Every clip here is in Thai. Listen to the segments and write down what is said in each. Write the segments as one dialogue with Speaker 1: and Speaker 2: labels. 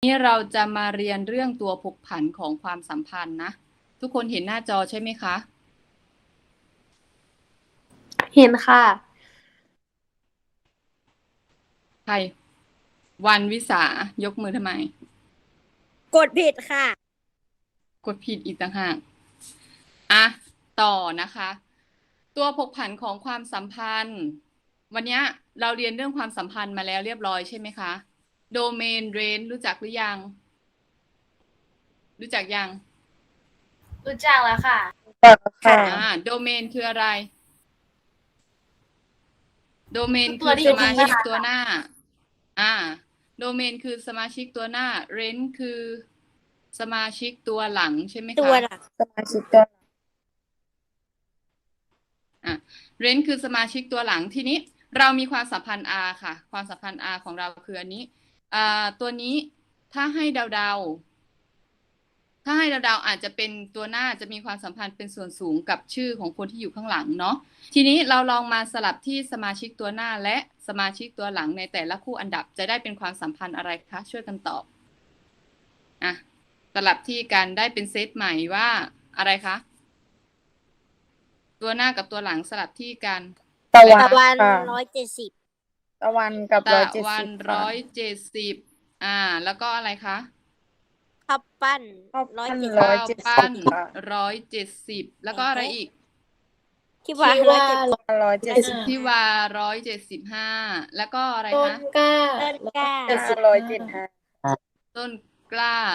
Speaker 1: นี้เราจะมาเรียนเรื่องตัวผกผันของความสัมพันธ์นะทุกคนเห็นหน้าจอใช่ไหมคะ
Speaker 2: เห็นค่ะ
Speaker 1: ใครวันวิสายกมือทำไม
Speaker 2: กดผิดค่ะ
Speaker 1: กดผิดอีกต่างหากอ่ะต่อนะคะ ตัวผกผันของความสัมพันธ์ วันนี้เราเรียนเรื่องความสัมพันธ์มาแล้วเรียบร้อยใช่ไหมคะโดเมนเรนรู้จักหรือยัง รู้จักยัง
Speaker 2: รู้จักแล้วค่ะ
Speaker 1: โดเมนคืออะไร โดเมน
Speaker 2: ตั
Speaker 1: คื
Speaker 2: ว
Speaker 1: อ
Speaker 2: ที่
Speaker 1: ส
Speaker 2: อยู่
Speaker 1: มา
Speaker 2: ข้างห
Speaker 1: ชิก
Speaker 2: น้า
Speaker 1: ตัวหน้าโดเมนคือสมาชิกตัวหน้าเรนคือสมาชิกตัวหลังใช่ไหมคะ
Speaker 2: ตัวหลัก
Speaker 3: สมาชิกตัว
Speaker 1: เรนคือสมาชิกตัวหลังทีนี้เรามีความสัมพันธ์ R ค่ะความสัมพันธ์ R ของเราคืออันนี้ตัวนี้ถ้าให้เดาอาจจะเป็นตัวหน้าจะมีความสัมพันธ์เป็นส่วนสูงกับชื่อของคนที่อยู่ข้างหลังเนาะทีนี้เราลองมาสลับที่สมาชิกตัวหน้าและสมาชิกตัวหลังในแต่ละคู่อันดับจะได้เป็นความสัมพันธ์อะไรคะช่วยกันตอบสลับที่กันได้เป็นเซตใหม่ว่าอะไรคะตัวหน้ากับตัวหลังสลับที่กัน
Speaker 3: ตะ
Speaker 2: ตะ
Speaker 3: วั
Speaker 2: วัน
Speaker 3: นค่ะ
Speaker 2: 170
Speaker 3: ตะวันกับ
Speaker 1: ตะ
Speaker 3: 170
Speaker 1: วัน
Speaker 3: ค่ะ
Speaker 1: 170แล้วก็อะไรคะ
Speaker 2: ข้าวปั้น
Speaker 3: ข้าวปั้น
Speaker 2: 170
Speaker 1: ข้าวปั้น
Speaker 3: 170ค่ะ
Speaker 1: 170แล้วก็อะไรอีก
Speaker 2: ที่ว่า
Speaker 3: 170
Speaker 1: ที่วา175แล้วก็อะไร
Speaker 4: ต้น
Speaker 1: คะ
Speaker 4: กล้า
Speaker 2: ต้นกล้า
Speaker 3: 175
Speaker 1: ต้นกล้า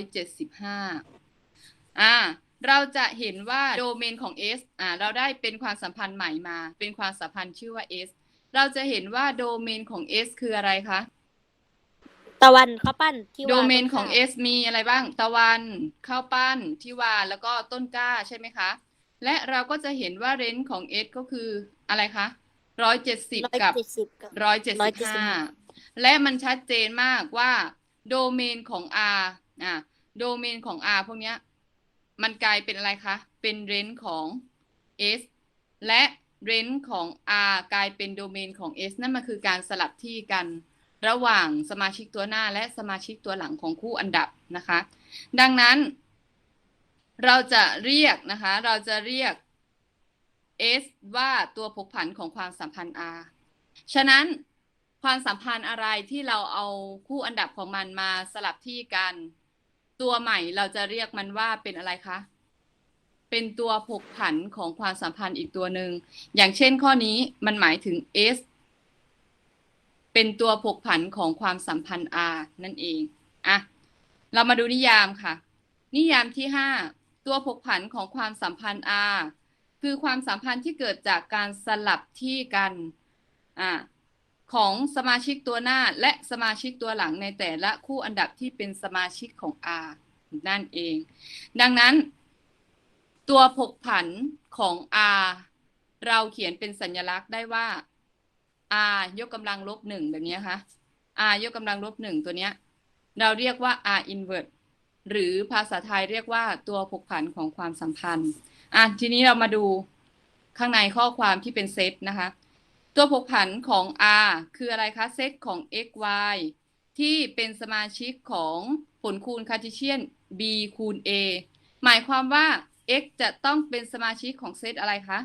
Speaker 1: 175เราจะเห็นว่าโดเมนของ S เราได้เป็นความสัมพันธ์ใหม่มาเป็นความสัมพันธ์ชื่อว่า S เราจะเห็นว่าโดเมนของ S คืออะไรคะ
Speaker 2: ตะวันข้าวปั้นที่ว่า
Speaker 1: โดเมนของ S มีอะไรบ้างตะวันข้าวปั้นทิวาแล้วก็ต้นกล้าใช่ไหมคะและเราก็จะเห็นว่าเรนจ์ของ S ก็คืออะไรคะ170กับ175และมันชัดเจนมากว่าโดเมนของ R โดเมนของ R พวกนี้มันกลายเป็นอะไรคะเป็นเรนจ์ของ S และเรนจ์ของ R กลายเป็นโดเมนของ S นั่นมันคือการสลับที่กันระหว่างสมาชิกตัวหน้าและสมาชิกตัวหลังของคู่อันดับนะคะดังนั้นเราจะเรียกS ว่าตัวผกผันของความสัมพันธ์ R ฉะนั้นความสัมพันธ์อะไรที่เราเอาคู่อันดับของมันมาสลับที่กันตัวใหม่เราจะเรียกมันว่าเป็นอะไรคะเป็นตัวผกผันของความสัมพันธ์อีกตัวหนึ่งอย่างเช่นข้อนี้มันหมายถึง S เป็นตัวผกผันของความสัมพันธ์ R นั่นเองเรามาดูนิยามค่ะนิยามที่5ตัวผกผันของความสัมพันธ์ R คือความสัมพันธ์ที่เกิดจากการสลับที่กันของสมาชิกตัวหน้าและสมาชิกตัวหลังในแต่ละคู่อันดับที่เป็นสมาชิกของ R นั่นเองดังนั้นตัวผกผันของ R เราเขียนเป็นสัญลักษณ์ได้ว่า R ยกกำลังลบ1แบบนี้ค่ะ R ยกกำลังลบ1ตัวเนี้ยเราเรียกว่า R inverse หรือภาษาไทยเรียกว่าตัวผกผันของความสัมพันธ์ทีนี้เรามาดูข้างในข้อความที่เป็นเซตนะคะตัวผกผันของ R คืออะไรคะเซตของ x y ที่เป็นสมาชิกของผลคูณคาร์ทีเชียน b คูณ a หมายความว่า x จะต้องเป็นสมาชิกของเซตอะไรคะ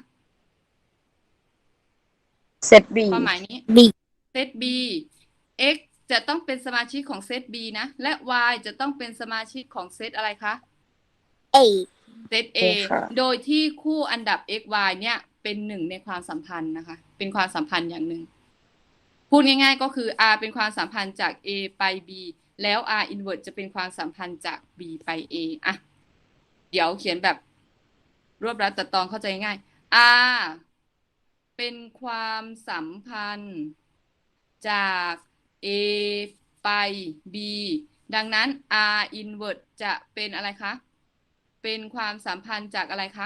Speaker 3: เซต B
Speaker 1: ความหมายนี้
Speaker 2: B
Speaker 1: เซต B x จะต้องเป็นสมาชิกของเซต B นะและ y จะต้องเป็นสมาชิกของเซตอะไรคะ
Speaker 2: A
Speaker 1: เซต A โดยที่คู่อันดับ x y เนี่ยเป็นหนึ่งในความสัมพันธ์นะคะเป็นความสัมพันธ์อย่างหนึ่งพูดง่ายๆก็คือ R เป็นความสัมพันธ์จาก A ไป B แล้ว R inverse จะเป็นความสัมพันธ์จาก B ไป A เดี๋ยวเขียนแบบรวบรัดตัดตอนเข้าใจง่าย R เป็นความสัมพันธ์จาก A ไป B ดังนั้น R inverse จะเป็นอะไรคะเป็นความสัมพันธ์จากอะไรคะ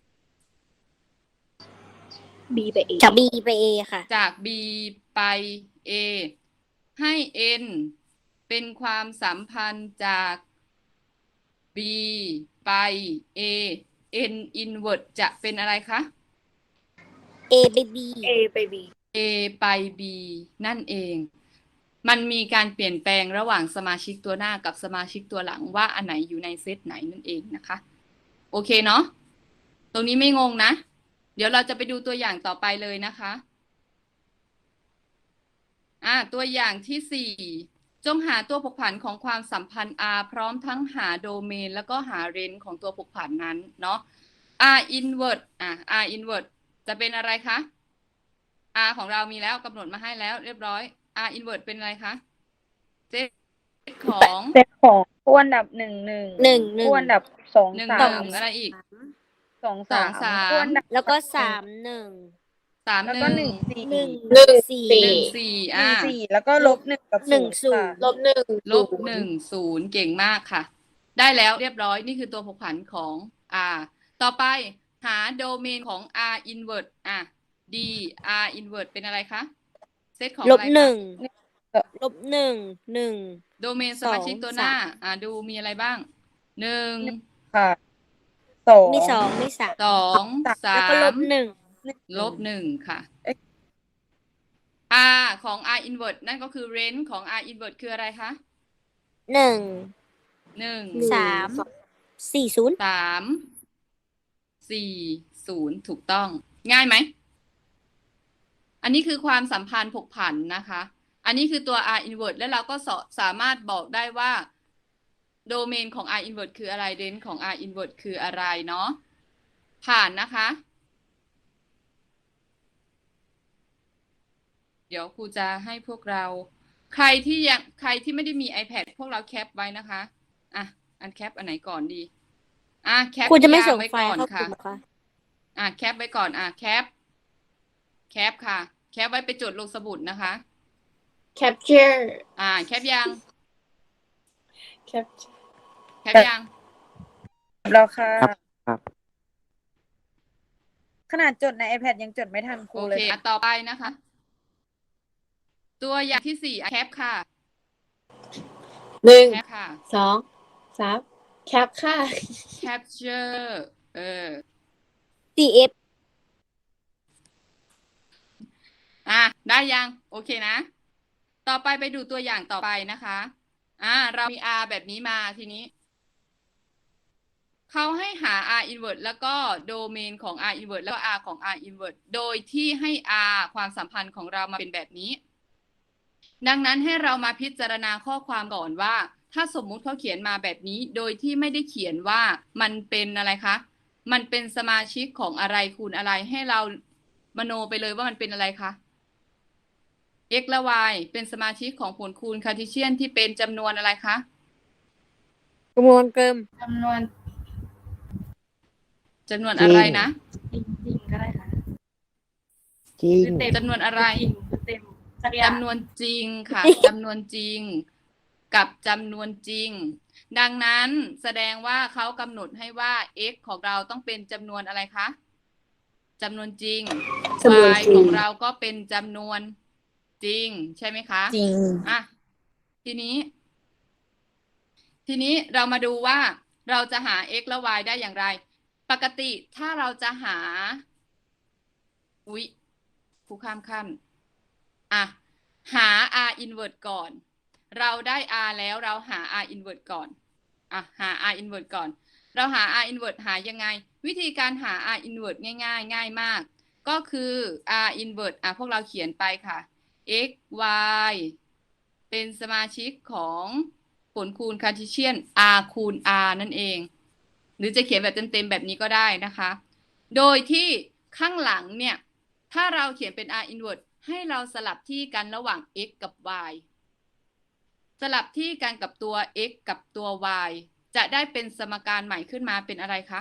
Speaker 4: B ไป A
Speaker 2: จาก B ไป A ค่ะ
Speaker 1: จาก B ไป A ให้ N เป็นความสัมพันธ์จาก B ไป A N inverse จะเป็นอะไรคะ
Speaker 2: A ไป B
Speaker 4: A ไป B
Speaker 1: A ไป B นั่นเองมันมีการเปลี่ยนแปลงระหว่างสมาชิกตัวหน้ากับสมาชิกตัวหลังว่าอันไหนอยู่ในเซตไหนนั่นเองนะคะ โอเคเนาะตรงนี้ไม่งงนะ เดี๋ยวเราจะไปดูตัวอย่างต่อไปเลยนะคะตัวอย่างที่ 4จงหาตัวผกผันของความสัมพันธ์ R พร้อมทั้งหาโดเมนแล้วก็หาเรนจ์ของตัวผกผันนั้นเนาะ R inverse R inverse จะเป็นอะไรคะ R ของเรามีแล้วกำหนดมาให้แล้วเรียบร้อย R inverse เป็นอะไรคะเซตของ
Speaker 3: เซตของคู่อันดับหนึ่ง
Speaker 2: 1
Speaker 3: คู่อันดับสอง
Speaker 1: หนึ่ง
Speaker 3: สา
Speaker 1: ห
Speaker 3: ม
Speaker 1: นึ่งอะไรอีก
Speaker 3: สอง
Speaker 1: สอง
Speaker 3: สาม
Speaker 1: สาม
Speaker 3: คู่อันดับ
Speaker 2: แล้วก็
Speaker 3: หนึ่ง
Speaker 2: 3 1
Speaker 1: สาม
Speaker 3: แล้ว
Speaker 1: ห
Speaker 3: ก็
Speaker 1: นึ่ง
Speaker 3: 1 4
Speaker 2: 1 4
Speaker 1: หนึ่งสี่
Speaker 3: 1 4แล้วก็ลบ 1 กับ
Speaker 2: 1
Speaker 3: 0ค่ะ
Speaker 2: 0
Speaker 4: ลบหนึ่ง
Speaker 1: ลบ 1 0เก่งมากค่ะ ได้แล้วเรียบร้อยนี่คือตัวผกผันของ R ต่อไปหาโดเมนของ R inverse D R inverse เป็นอะไรคะเซตของ
Speaker 2: ล
Speaker 1: อะ
Speaker 2: บ
Speaker 1: ไร
Speaker 2: 1
Speaker 1: คะ
Speaker 2: ลบ1 1
Speaker 1: โดเมนสมาชิกตัวหน้า
Speaker 2: 2
Speaker 1: ดูมีอะไรบ้าง1
Speaker 3: ค่ะสอง
Speaker 2: มี 2 มี 3
Speaker 1: 2
Speaker 2: แล้วก็ลบ
Speaker 1: 3ลบ 1ค่ะ R ของ R inverse นั่นก็คือ range ของ R inverse คืออะไรคะ
Speaker 2: 1 1
Speaker 1: 1
Speaker 2: 3 4 0
Speaker 1: 3 4 0ถูกต้อง ง่ายไหม อันนี้คือความสัมพันธ์ผกผันนะคะ อันนี้คือตัว R inverse แล้วเราก็สามารถบอกได้ว่าโดเมนของ R inverse คืออะไรเรนจ์ของ R inverse คืออะไรเนาะผ่านนะคะ เดี๋ยวครูจะให้พวกเรา ใครที่ไม่ได้มี iPad พวกเราแคปไว้นะคะอันแคปอันไหนก่อนดีแคป
Speaker 2: ครูจะไม่ส่ง
Speaker 1: ไว้
Speaker 2: ไฟ
Speaker 1: ก่อน
Speaker 2: ล์เข้าก
Speaker 1: ค่ะ
Speaker 2: ลุ่มค่ะ
Speaker 1: แคปไว้ก่อนแคปค่ะ แคปไว้ไปจดลงสมุดนะคะ
Speaker 4: capture
Speaker 1: แคปยัง
Speaker 4: capture
Speaker 1: แคปยัง
Speaker 3: แล้วค่ะ
Speaker 5: ครับ
Speaker 3: ขนาดจดใน iPad ยังจดไม่ทันครู
Speaker 1: โอ
Speaker 3: เลย
Speaker 1: เค
Speaker 3: ค่ะ
Speaker 1: ต่อไปนะคะ ตัวอย่างที่ 4แคปค่ะ
Speaker 4: หนึ่ง
Speaker 1: แคปค่ะ
Speaker 4: สองสามแคปค่ะ
Speaker 1: capture
Speaker 2: CF
Speaker 1: ได้ยัง โอเคนะ ต่อไปดูตัวอย่างต่อไปนะคะเรามี R แบบนี้มาทีนี้ เขาให้หา R inverse แล้วก็โดเมนของ R inverse แล้วก็ R ของ R inverse โดยที่ให้ R ความสัมพันธ์ของเรามาเป็นแบบนี้ ดังนั้นให้เรามาพิจารณาข้อความก่อนว่า ถ้าสมมุติเขาเขียนมาแบบนี้ โดยที่ไม่ได้เขียนว่ามันเป็นอะไรคะ มันเป็นสมาชิกของอะไรคูณอะไร ให้เรามโนไปเลยว่ามันเป็นอะไรคะ x และ y เป็นสมาชิกของผลคูณคาร์ทีเชียนที่เป็นจำนวนอะไรคะ
Speaker 2: จำนวนเกิม
Speaker 4: จำนวน
Speaker 1: จำนวนอะไรนะ
Speaker 4: จริงก็ได้ค่ะ
Speaker 5: จริง
Speaker 1: จำนวนอะไร
Speaker 4: เต็มสักอย่าง
Speaker 1: จำนวนจริงค่ะ จำนวนจริง กับจำนวนจริง ดังนั้นแสดงว่าเขากำหนดให้ว่า x ของเราต้องเป็นจำนวนอะไรคะจำนวนจริง
Speaker 4: จำนวน
Speaker 1: y
Speaker 4: จริ
Speaker 1: ของ งเราก็เป็นจำนวนจริง ใช่ไหมคะ
Speaker 3: จริง
Speaker 1: ทีนี้เรามาดูว่าเราจะหา x และ y ได้อย่างไร ปกติถ้าเราจะหาครูข้ามขั้นหา r inverse ก่อน เราได้ r แล้วเราหา r inverse ก่อนหา r inverse ก่อน เราหา r inverse หายังไง วิธีการหา r inverse ง่ายมาก ก็คือ r inverse พวกเราเขียนไปค่ะ x y เป็นสมาชิกของผลคูณคาร์ทีเชียน r คูณ r นั่นเอง หรือจะเขียนแบบเต็มๆแบบนี้ก็ได้นะคะ โดยที่ข้างหลังเนี่ย ถ้าเราเขียนเป็น r inverse ให้เราสลับที่กันระหว่าง x กับ y สลับที่กันกับตัว x กับตัว y จะได้เป็นสมการใหม่ขึ้นมาเป็นอะไรคะ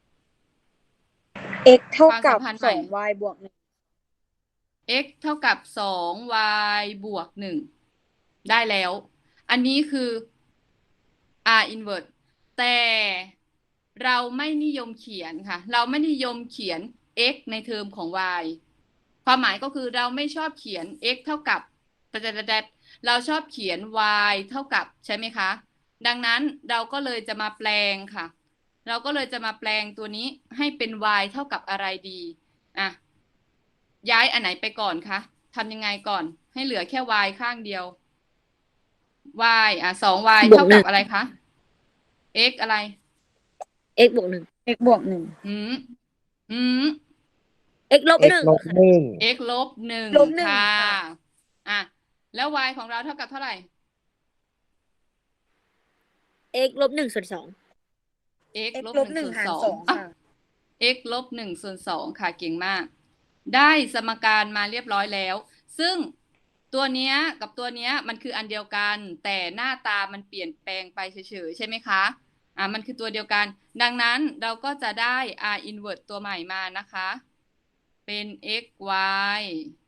Speaker 3: x เท่ากับ
Speaker 1: ความสัมพันธ์ใหม่
Speaker 3: 2y บวก 1
Speaker 1: x เท่ากับ 2y บวก 1 ได้แล้ว อันนี้คือ r inverse แต่เราไม่นิยมเขียนค่ะ เราไม่นิยมเขียน x ในเทอมของ y ความหมายก็คือเราไม่ชอบเขียน x เท่ากับเราชอบเขียน y เท่ากับใช่ไหมคะ ดังนั้นเราก็เลยจะมาแปลงค่ะ เราก็เลยจะมาแปลงตัวนี้ให้เป็น y เท่ากับอะไรดีย้ายอันไหนไปก่อนคะทำยังไงก่อนให้เหลือแค่ y ข้างเดียว y 2y
Speaker 2: บวก
Speaker 1: เท่า
Speaker 2: หนึ่
Speaker 1: กับ
Speaker 2: ง
Speaker 1: อะไรคะ x อะไร
Speaker 2: x บวก 1
Speaker 3: x บวก 1
Speaker 1: อืมอืม
Speaker 2: x ลบ
Speaker 5: x ลบ
Speaker 2: 1
Speaker 5: หนึ่ง
Speaker 1: x ลบ 1
Speaker 3: ลบหนึ่ง
Speaker 1: ค่ะ
Speaker 3: ค่ะ
Speaker 1: อ่ะแล้ว y ของเราเท่ากับเท่าไหร่
Speaker 2: x ลบ 1 ส่วน 2
Speaker 1: x
Speaker 3: x
Speaker 1: ลบ
Speaker 3: ลบ
Speaker 1: 1
Speaker 3: 1
Speaker 1: ส่วน
Speaker 3: หาร
Speaker 1: 2
Speaker 3: 2 ค่ะ
Speaker 1: x ลบ 1 ส่วน 2 ค่ะเก่งมาก ได้สมการมาเรียบร้อยแล้ว ซึ่งตัวเนี้ยกับตัวเนี้ยมันคืออันเดียวกัน แต่หน้าตามันเปลี่ยนแปลงไปเฉยๆใช่ไหมคะมันคือตัวเดียวกัน ดังนั้นเราก็จะได้ r inverse ตัวใหม่มานะคะ เป็น x y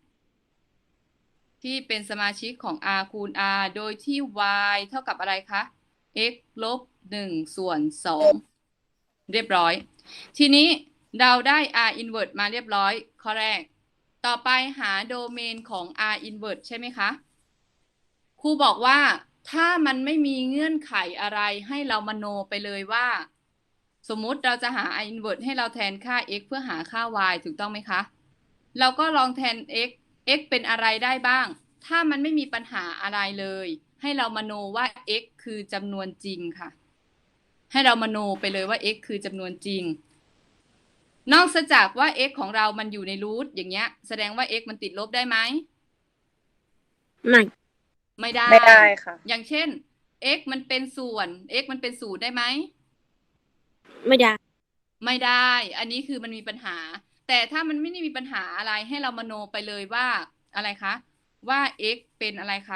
Speaker 1: ที่เป็นสมาชิกของ r คูณ r โดยที่ y เท่ากับอะไรคะ x ลบ 1 ส่วน 2 เรียบร้อย ทีนี้เราได้ r inverse มาเรียบร้อยข้อแรก ต่อไปหาโดเมนของ r inverse ใช่ไหมคะ ครูบอกว่าถ้ามันไม่มีเงื่อนไขอะไรให้เรามโนไปเลยว่า สมมุติเราจะหา r inverse ให้เราแทนค่า x เพื่อหาค่า y ถูกต้องไหมคะ เราก็ลองแทน x เป็นอะไรได้บ้าง ถ้ามันไม่มีปัญหาอะไรเลย ให้เรามโนว่า x คือจำนวนจริงค่ะ ให้เรามโนไปเลยว่า x คือจำนวนจริง นอกจากว่า x ของเรามันอยู่ในรูทอย่างเงี้ย แสดงว่า x มันติดลบได้ไหม
Speaker 2: ไม่
Speaker 1: ไม่ได้
Speaker 3: ไม่ได้ค่ะ
Speaker 1: อย่างเช่น x มันเป็นส่วน x มันเป็นศูนย์ได้ไหม
Speaker 2: ไม่ได้
Speaker 1: ไม่ได้ อันนี้คือมันมีปัญหา แต่ถ้ามันไม่ได้มีปัญหาอะไรให้เรามโนไปเลยว่าอะไรคะ ว่า x เป็นอะไรคะ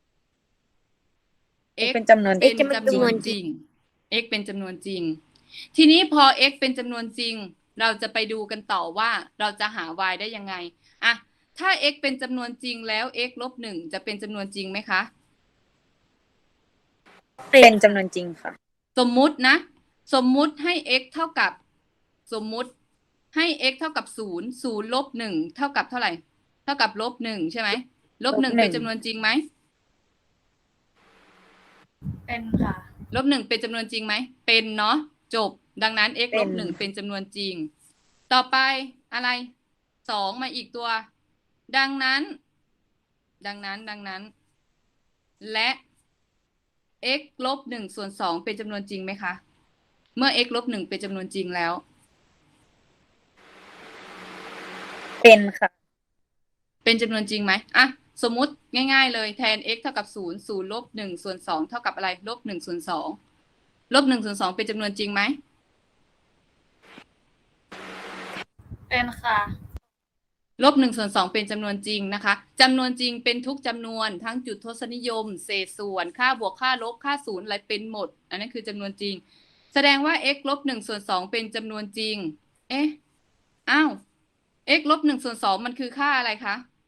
Speaker 3: x เป็นจำนวน
Speaker 1: เป็น
Speaker 2: x เป็นจำนวนจริง
Speaker 1: x เป็นจำนวนจริง ทีนี้พอ x เป็นจำนวนจริง เราจะไปดูกันต่อว่าเราจะหา y ได้ยังไงอะถ้า x เป็นจำนวนจริงแล้ว x ลบ 1 จะเป็นจำนวนจริงไหมคะ
Speaker 3: เป็นจำนวนจริงค่ะ
Speaker 1: สมมุตินะ สมมุติให้ x เท่ากับ สมมุติให้ x เท่ากับ 0 0 ลบ 1 เท่ากับเท่าไหร่ เท่ากับลบ 1 ใช่ไหม ลบ 1
Speaker 3: ลบ 1
Speaker 1: เป็นจำนวนจริงไหม
Speaker 4: เป็นค่ะ
Speaker 1: ลบ 1 เป็นจำนวนจริงไหม เป็นเนาะ จบ ดังนั้น x ลบ
Speaker 3: เป็น
Speaker 1: 1 เป็นจำนวนจริง ต่อไปอะไร 2 มาอีกตัว ดังนั้น และ x ลบ 1 ส่วน 2 เป็นจำนวนจริงไหมคะ เมื่อ x ลบ 1 เป็นจำนวนจริงแล้ว
Speaker 3: เป็นค่ะ
Speaker 1: เป็นจำนวนจริงไหมสมมุติง่ายๆเลยแทน x เท่ากับ 0 0 ลบ 1 ส่วน 2 เท่ากับอะไร ลบ 1 ส่วน 2 ลบ 1 ส่วน 2 เป็นจำนวนจริงไหม
Speaker 4: เป็นค่ะ
Speaker 1: ลบ 1 ส่วน 2 เป็นจำนวนจริงนะคะจำนวนจริงเป็นทุกจำนวนทั้งจุดทศนิยม เศษส่วน ค่าบวก ค่าลบ ค่าศูนย์อะไรเป็นหมด อันนั้นคือจำนวนจริง แสดงว่า x ลบ 1 ส่วน 2 เป็นจำนวนจริง x ลบ 1 ส่วน 2 มันคือค่าอะไรคะ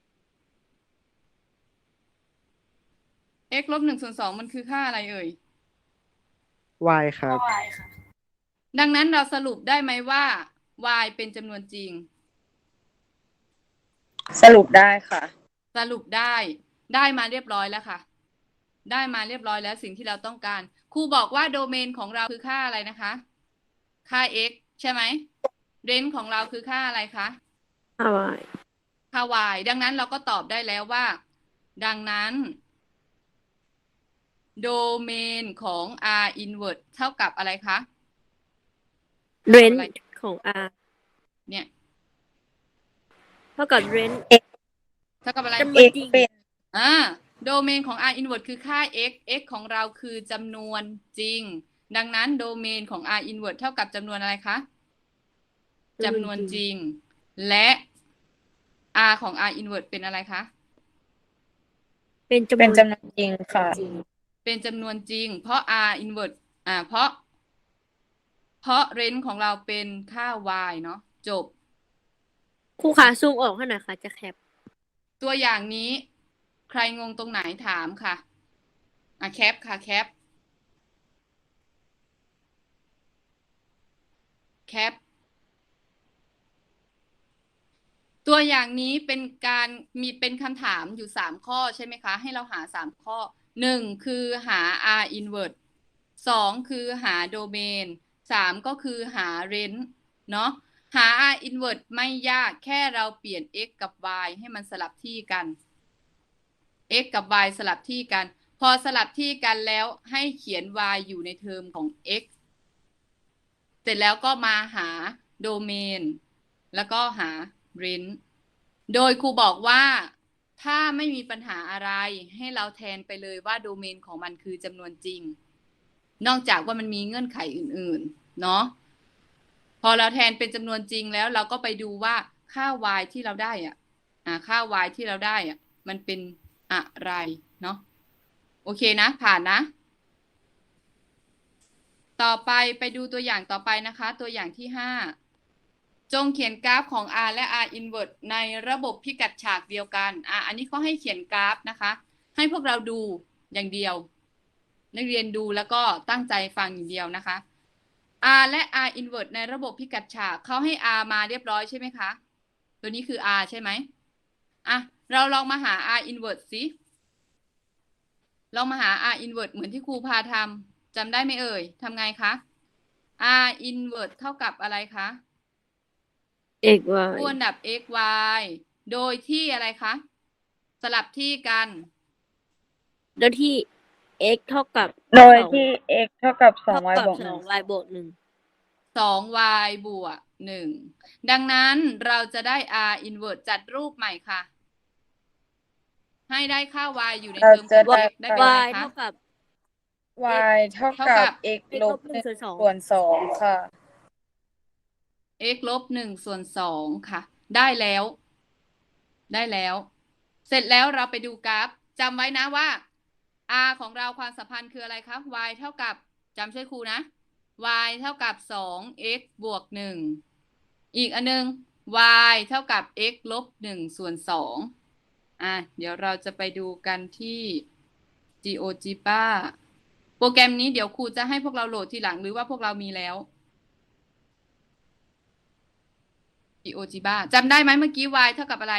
Speaker 1: x ลบ 1 ส่วน 2 มันคือค่าอะไรเอ่ย
Speaker 5: y ครับ
Speaker 4: y ค่ะ
Speaker 1: ดังนั้นเราสรุปได้ไหมว่า y เป็นจำนวนจริง
Speaker 3: สรุปได้ค่ะ
Speaker 1: สรุปได้มาเรียบร้อยแล้วค่ะ ได้มาเรียบร้อยแล้วสิ่งที่เราต้องการ ครูบอกว่าโดเมนของเราคือค่าอะไรนะคะ ค่า x ใช่ไหม เรนจ์ของเราคือค่าอะไรคะ
Speaker 2: ค่า y
Speaker 1: ค่า y ดังนั้นเราก็ตอบได้แล้วว่า ดังนั้นโดเมนของ r inverse เท่ากับอะไรคะ
Speaker 2: range ของ r
Speaker 1: เนี่ย
Speaker 2: เท่ากับ range
Speaker 1: เท่ากับอะไร
Speaker 2: จำนวน
Speaker 3: x
Speaker 2: จริง
Speaker 3: เป็น
Speaker 1: โดเมนของ r inverse คือค่า x ของเราคือจำนวนจริง ดังนั้นโดเมนของ r inverse เท่ากับจำนวนอะไรคะจำนวนจริง และ r ของ r inverse เป็นอะไรคะ
Speaker 2: เป็นจำน
Speaker 3: เป็
Speaker 2: วน น
Speaker 3: จำนวนจริงค่ะ
Speaker 1: เป็นจำนวนจริง เพราะ r inverse เพราะ range ของเราเป็นค่า y เนาะจบ
Speaker 2: ครูขาซูมออกให้หน่อยค่ะ จะแคป
Speaker 1: ตัวอย่างนี้ ใครงงตรงไหนถามค่ะแคปค่ะแคปตัวอย่างนี้เป็นการเป็นคำถามอยู่3ข้อใช่ไหมคะ ให้เราหา3ข้อ1คือหา r inverse 2คือหาโดเมน3ก็คือหา range เนาะหา r inverse ไม่ยากแค่เราเปลี่ยน x กับ y ให้มันสลับที่กัน x กับ y สลับที่กันพอสลับที่กันแล้วให้เขียน y อยู่ในเทอมของ x เสร็จแล้วก็มาหาโดเมนแล้วก็หา range โดยครูบอกว่าถ้าไม่มีปัญหาอะไรให้เราแทนไปเลยว่าโดเมนของมันคือจำนวนจริง นอกจากว่ามันมีเงื่อนไขอื่นๆเนาะพอเราแทนเป็นจำนวนจริงแล้วเราก็ไปดูว่าค่า y ที่เราได้ค่า y ที่เราได้มันเป็นอะไรเนาะโอเคนะผ่านนะต่อไปดูตัวอย่างต่อไปนะคะตัวอย่างที่5จงเขียนกราฟของ r และ r inverse ในระบบพิกัดฉากเดียวกันอันนี้เขาให้เขียนกราฟนะคะให้พวกเราดูอย่างเดียวนักเรียนดูแล้วก็ตั้งใจฟังอย่างเดียวนะคะ r และ r inverse ในระบบพิกัดฉากเขาให้ r มาเรียบร้อยใช่ไหมคะตัวนี้คือ r ใช่ไหมเราลองมาหา r inverse สิลองมาหา r inverse เหมือนที่ครูพาทำจำได้ไหมเอ่ยทำไงคะ r inverse เท่ากับอะไรคะ
Speaker 2: x y
Speaker 1: คู่อันดับ x y โดยที่อะไรคะสลับที่กัน
Speaker 2: โดยที่ x เท่ากับ
Speaker 3: โดยที่ x เท่ากับ2y บวก
Speaker 2: 2y บวก1
Speaker 1: 2y บวก1ดังนั้นเราจะได้ r inverse จัดรูปใหม่ค่ะให้ได้ค่า y อยู่ในเทอมของ x ได้เป็นไง
Speaker 2: y
Speaker 1: คะ
Speaker 2: เท่ากับ
Speaker 3: y เท่ากับ x ลบ
Speaker 2: 1 ส่วน
Speaker 3: ส่วน2ค่ะ
Speaker 1: x ลบ1ส่วน2ค่ะได้แล้ว เสร็จแล้วเราไปดูกราฟจำไว้นะว่า r ของเราความสัมพันธ์คืออะไรครับ y เท่ากับจำช่วยครูนะ y เท่ากับ 2x บวก1อีกอันนึง y เท่ากับ x ลบ1ส่วน2เดี๋ยวเราจะไปดูกันที่ GeoGebra โปรแกรมนี้เดี๋ยวครูจะให้พวกเราโหลดทีหลังหรือว่าพวกเรามีแล้ว GeoGebra จำได้ไหมเมื่อกี้ y เท่ากับอะไร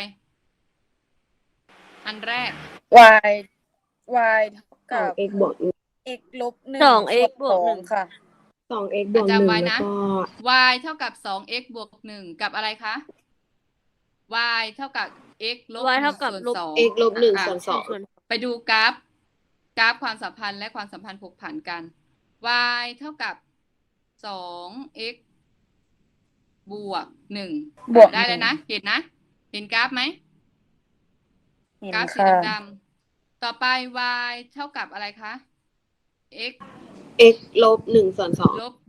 Speaker 1: อันแรก
Speaker 3: y เท่ากับ
Speaker 6: 2x บวก
Speaker 3: x ลบ1
Speaker 2: 2x บวก
Speaker 3: ส่วน2ค่ะ
Speaker 6: 2x บวก
Speaker 1: จำไว้
Speaker 6: 1
Speaker 1: นะ
Speaker 6: แล้วก็
Speaker 1: y เท่ากับ 2x บวก1กับอะไรคะ y เท่ากับ x ลบ
Speaker 2: y เท่ากับ
Speaker 1: 1
Speaker 2: ลบ
Speaker 1: ส่วน
Speaker 6: x ลบ1
Speaker 1: 2
Speaker 6: ส่วน
Speaker 2: ส่วน
Speaker 1: ไปดูกราฟความสัมพันธ์และความสัมพันธ์ผกผันกัน y เท่ากับ 2x บวก1
Speaker 3: บวก
Speaker 1: ได้แล้วนะ เห็นนะ เห็นกราฟไหม
Speaker 3: เห็น
Speaker 1: กราฟสี
Speaker 3: ค่ะ
Speaker 1: ดำๆต่อไป y เท่ากับอะไรคะ x
Speaker 6: x ลบ1ส่วน
Speaker 1: ลบ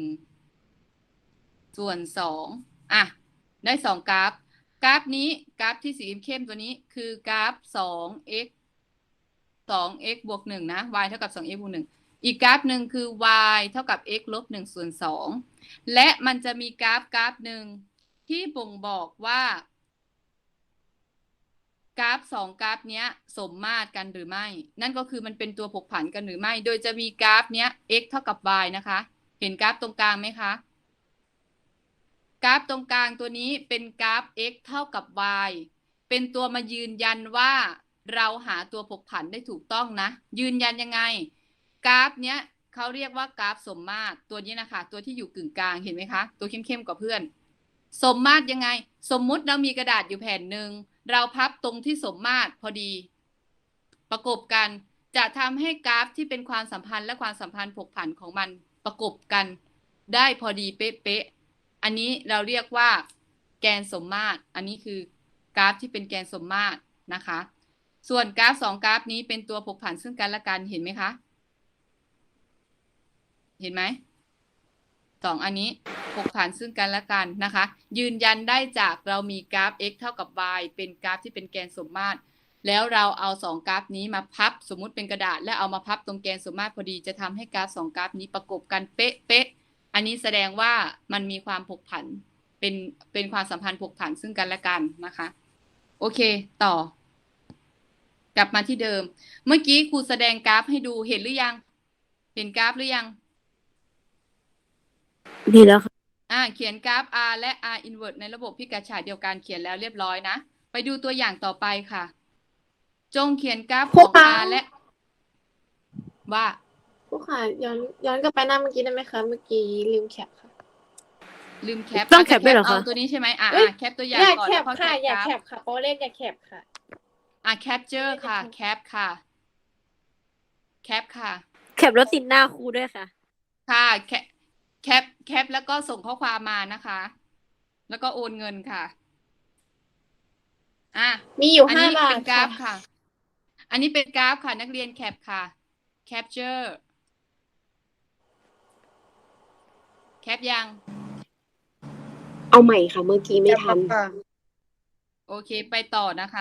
Speaker 1: 1ส่วน2ได้2กราฟ กราฟนี้กราฟที่สีเข้มตัวนี้คือกราฟ 2x บวก1นะ y เท่ากับ 2x บวก1อีกกราฟหนึ่งคือ y เท่ากับ x ลบ1ส่วน2และมันจะมีกราฟหนึ่งที่บ่งบอกว่ากราฟ2กราฟเนี้ยสมมาตรกันหรือไม่ นั่นก็คือมันเป็นตัวผกผันกันหรือไม่ โดยจะมีกราฟเนี้ย x เท่ากับ y นะคะ เห็นกราฟตรงกลางไหมคะ กราฟตรงกลางตัวนี้เป็นกราฟ x เท่ากับ y เป็นตัวมายืนยันว่าเราหาตัวผกผันได้ถูกต้องนะ ยืนยันยังไง กราฟเนี้ยเขาเรียกว่ากราฟสมมาตรตัวนี้นะคะ ตัวที่อยู่กึ่งกลางเห็นไหมคะ ตัวเข้มๆกว่าเพื่อน สมมาตรยังไง สมมุติเรามีกระดาษอยู่แผ่นหนึ่งเราพับตรงที่สมมาตรพอดี ประกบกันจะทำให้กราฟที่เป็นความสัมพันธ์และความสัมพันธ์ผกผันของมันประกบกันได้พอดีเป๊ะๆอันนี้เราเรียกว่าแกนสมมาตรอันนี้คือกราฟที่เป็นแกนสมมาตรนะคะส่วนกราฟ2กราฟนี้เป็นตัวผกผันซึ่งกันและกันเห็นไหมคะเห็นไหม2อันนี้ผกผันซึ่งกันและกันนะคะยืนยันได้จากเรามีกราฟ x เท่ากับ y เป็นกราฟที่เป็นแกนสมมาตรแล้วเราเอา2กราฟนี้มาพับสมมุติเป็นกระดาษและเอามาพับตรงแกนสมมาตรพอดีจะทำให้กราฟ2กราฟนี้ประกบกันเป๊ะๆอันนี้แสดงว่ามันมีความผกผันเป็นความสัมพันธ์ผกผันซึ่งกันและกันนะคะโอเคต่อกลับมาที่เดิมเมื่อกี้ครูแสดงกราฟให้ดูเห็นหรือยังเห็นกราฟหรือยัง
Speaker 2: นี่แล้วค่ะ
Speaker 1: เขียนกราฟ r และ r inverse ในระบบพิกัดฉากเดียวกันเขียนแล้วเรียบร้อยนะไปดูตัวอย่างต่อไปค่ะจงเขียนกราฟของ r และว่า
Speaker 6: ผู้ค่ะย้อนกลับไปหน้าเมื่อกี้ได้ไหมคะ เมื่อกี้ลืมแคปค่ะ
Speaker 1: ลืมแคป
Speaker 2: ต้องแคปด้วยเหรอคะ
Speaker 1: เอาตัวนี้ใช่ไหมแคปตัวอย่าง
Speaker 6: อย่า
Speaker 1: ก่อน
Speaker 6: แค
Speaker 1: แล้ว
Speaker 6: ป
Speaker 1: ก็
Speaker 6: ค่ะ อย่า
Speaker 1: ราฟ
Speaker 6: แคปค่ะเพราะว่าเลขอย่าแคปค่ะ
Speaker 1: capture ค่ะแคปค่ะปค่ะ
Speaker 2: แคปแล้วติดหน้าครูด้วยค่ะ
Speaker 1: ค่ะแคปแล้วก็ส่งข้อความมานะคะ แล้วก็โอนเงินค่ะ
Speaker 6: มีอยู่
Speaker 1: อัน
Speaker 6: ห้า
Speaker 1: นี้
Speaker 6: บา
Speaker 1: เป็
Speaker 6: ท
Speaker 1: นกรา
Speaker 6: ค่ะ
Speaker 1: ฟค่ะ อันนี้เป็นกราฟค่ะ นักเรียนแคปค่ะ capture แคปยัง
Speaker 7: เอาใหม่ค่ะ เมื่อกี้ไม่ทัน
Speaker 3: ค่ะ
Speaker 1: โอเค ไปต่อนะคะ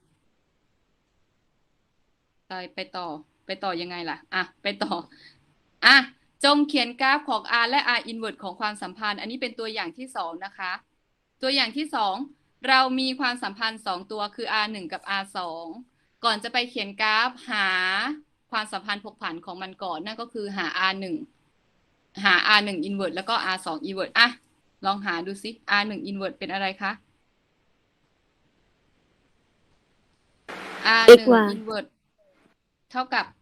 Speaker 1: ไปต่อยังไงล่ะ ไปต่อ จงเขียนกราฟของ R และ R inverse ของความสัมพันธ์ อันนี้เป็นตัวอย่างที่2นะคะ ตัวอย่างที่2เรามีความสัมพันธ์2ตัวคือ R1 กับ R2 ก่อนจะไปเขียนกราฟหาความสัมพันธ์ผกผันของมันก่อน นั่นก็คือหา R1 inverse แล้วก็ R2 inverse ลองหาดูซิ R1 inverse เป็นอะไรคะ R1
Speaker 2: xy
Speaker 1: inverse เท่ากับ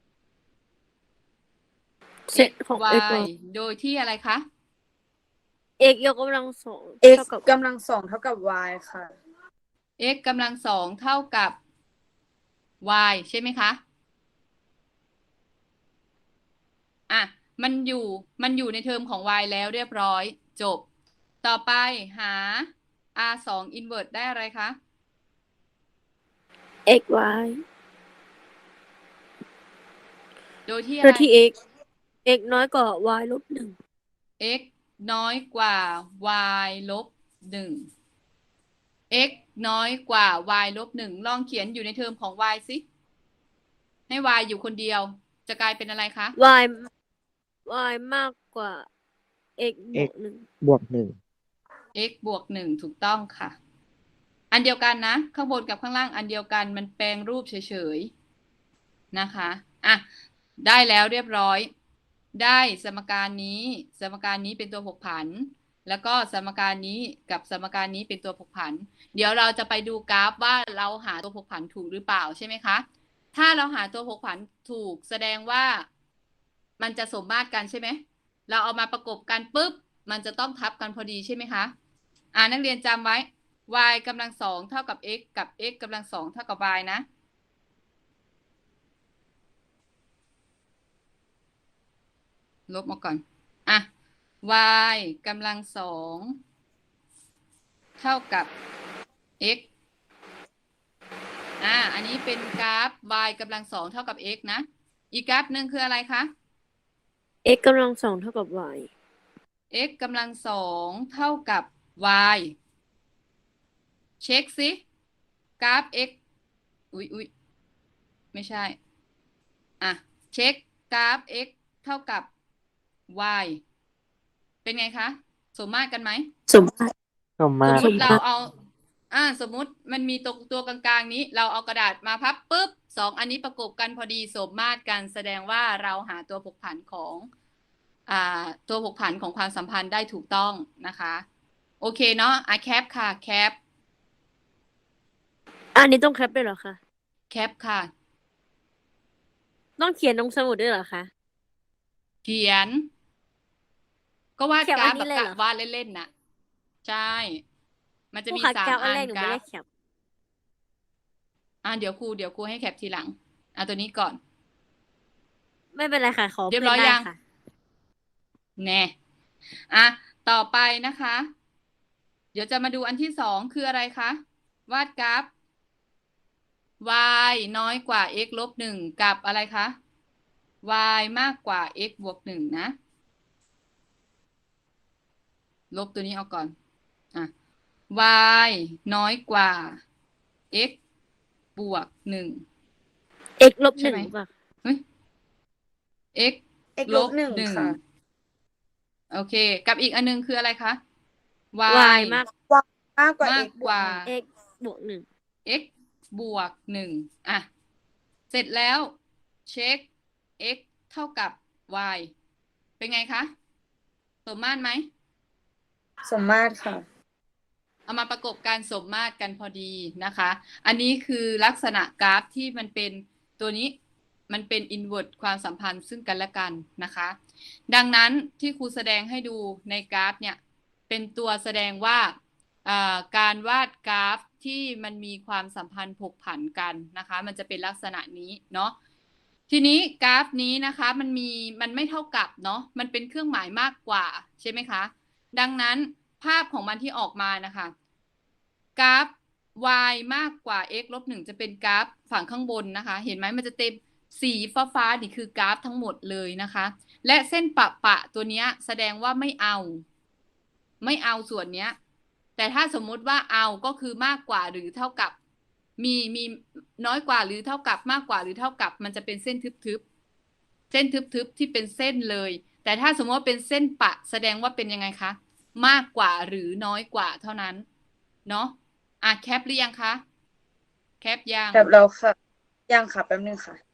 Speaker 2: เซตของ
Speaker 1: xy โดยที่อะไรคะ
Speaker 2: x ยกกำลังสอง
Speaker 3: x
Speaker 2: เท่ากับ
Speaker 3: กำลังสองเท่ากับ y ค่ะ
Speaker 1: x กำลังสองเท่ากับ y ใช่ไหมคะ มันอยู่ในเทอมของ y แล้วเรียบร้อยจบ ต่อไปหา r2 inverse ได้อะไรคะ
Speaker 2: xy
Speaker 1: โดยที่อะ
Speaker 2: โด
Speaker 1: ไร
Speaker 2: ยที่ x น้อยกว่า y ลบหนึ่ง
Speaker 1: x น้อยกว่า y ลบ1 x น้อยกว่า y ลบ1ลองเขียนอยู่ในเทอมของ y สิให้ y อยู่คนเดียวจะกลายเป็นอะไรคะ
Speaker 2: y มากกว่า x บวกหนึ่ง
Speaker 5: บวก 1
Speaker 1: x บวก1ถูกต้องค่ะ อันเดียวกันนะ ข้างบนกับข้างล่างอันเดียวกันมันแปลงรูปเฉยๆนะคะได้แล้วเรียบร้อย ได้สมการนี้เป็นตัวผกผัน แล้วก็สมการนี้กับสมการนี้เป็นตัวผกผัน เดี๋ยวเราจะไปดูกราฟว่าเราหาตัวผกผันถูกหรือเปล่าใช่ไหมคะ ถ้าเราหาตัวผกผันถูกแสดงว่ามันจะสมมาตรกันใช่ไหม เราเอามาประกบกันปุ๊บมันจะต้องทับกันพอดีใช่ไหมคะ นักเรียนจำไว้ y กำลังสองเท่ากับ x กับ x กำลังสองเท่ากับ y นะ ลบมาก่อน y กำลังสองเท่ากับ x อันนี้เป็นกราฟ y กำลังสองเท่ากับ x นะ อีกกราฟหนึ่งคืออะไรคะ
Speaker 2: x กำลังสองเท่ากับ y
Speaker 1: x กำลังสองเท่ากับ y เช็คสิกราฟ x อุ๊ยไม่ใช่เช็คกราฟ x เท่ากับ y เป็นไงคะสมมาตรกันไหม
Speaker 2: สมมาตร
Speaker 5: สมมาตร
Speaker 1: สมมติเราเอาสมมุติมันมีตัวกลางๆนี้เราเอากระดาษมาพับปุ๊บ2อันนี้ประกบกันพอดีสมมาตรกันแสดงว่าเราหาตัวผกผันของตัวผกผันของความสัมพันธ์ได้ถูกต้องนะคะโอเคเนาะแคปค่ะแคป
Speaker 2: อันนี้ต้องแคปด้วยเหรอคะ
Speaker 1: แคปค่ะ
Speaker 2: ต้องเขียนลงสมุดด้วยเหรอคะ
Speaker 1: เขียน ก็วาด
Speaker 2: แคป
Speaker 1: กรา
Speaker 2: อั
Speaker 1: ฟ
Speaker 2: น
Speaker 1: แบ
Speaker 2: นี้
Speaker 1: บ
Speaker 2: เลยเหรอ
Speaker 1: วาดเล่นๆน่ะใช่ มันจะมี
Speaker 2: ครูคะ
Speaker 1: 3
Speaker 2: แคปอัน
Speaker 1: อัน
Speaker 2: แรกหนู
Speaker 1: ก
Speaker 2: ไม่
Speaker 1: รา
Speaker 2: ได้
Speaker 1: ฟ
Speaker 2: แคป
Speaker 1: เดี๋ยวครูให้แคปทีหลังตัวนี้ก่อน
Speaker 2: ไม่เป็นไรค่ะ ขอ
Speaker 1: เรียบ
Speaker 2: เพื่
Speaker 1: ร้
Speaker 2: อ
Speaker 1: อน ย
Speaker 2: ได้
Speaker 1: ยัง
Speaker 2: ค่ะ
Speaker 1: แน่ต่อไปนะคะ เดี๋ยวจะมาดูอันที่2คืออะไรคะ วาดกราฟ y น้อยกว่า x ลบ1กับอะไรคะ y มากกว่า x บวก1นะ ลบตัวนี้ออกก่อนy น้อยกว่า x บวก1
Speaker 2: x ลบห
Speaker 1: ใช่
Speaker 2: นึ่ง
Speaker 1: ไหม
Speaker 2: ป่ะ
Speaker 1: x
Speaker 3: x
Speaker 1: ล
Speaker 3: ล
Speaker 1: บบ
Speaker 3: 1
Speaker 1: 1
Speaker 3: ค่ะ
Speaker 1: โอเค กับอีกอันนึงคืออะไรคะ
Speaker 2: y มาก
Speaker 3: มากกว่า
Speaker 1: มาก
Speaker 3: x
Speaker 1: กว่า
Speaker 2: x บวก1
Speaker 1: x บวก1เสร็จแล้วเช็ค x เท่ากับ y เป็นไงคะสมมาตรไหม
Speaker 3: สมมาตรค่ะ
Speaker 1: เอามาประกบการสมมาตรกันพอดีนะคะ อันนี้คือลักษณะกราฟที่มันเป็นตัวนี้มันเป็น inverse ความสัมพันธ์ซึ่งกันและกันนะคะ ดังนั้นที่ครูแสดงให้ดูในกราฟเนี่ยเป็นตัวแสดงว่าการวาดกราฟที่มันมีความสัมพันธ์ผกผันกันนะคะ มันจะเป็นลักษณะนี้เนาะทีนี้กราฟนี้นะคะมันไม่เท่ากับเนาะมันเป็นเครื่องหมายมากกว่าใช่ไหมคะดังนั้นภาพของมันที่ออกมานะคะกราฟ y มากกว่า x ลบ 1จะเป็นกราฟฝั่งข้างบนนะคะเห็นไหมมันจะเต็มสีฟ้านี่คือกราฟทั้งหมดเลยนะคะและเส้นปะตัวเนี้ยแสดงว่าไม่เอาส่วนเนี้ยแต่ถ้าสมมุติว่าเอาก็คือมากกว่าหรือเท่ากับมีน้อยกว่าหรือเท่ากับมากกว่าหรือเท่ากับมันจะเป็นเส้นทึบที่เป็นเส้นเลยแต่ถ้าสมมติว่าเป็นเส้นปะแสดงว่าเป็นยังไงคะมากกว่าหรือน้อยกว่าเท่านั้นเนาะแคปหรือยังคะแคปยัง
Speaker 3: แบบเราค่ะ ยังค่ะ แป๊บนึงค่ะ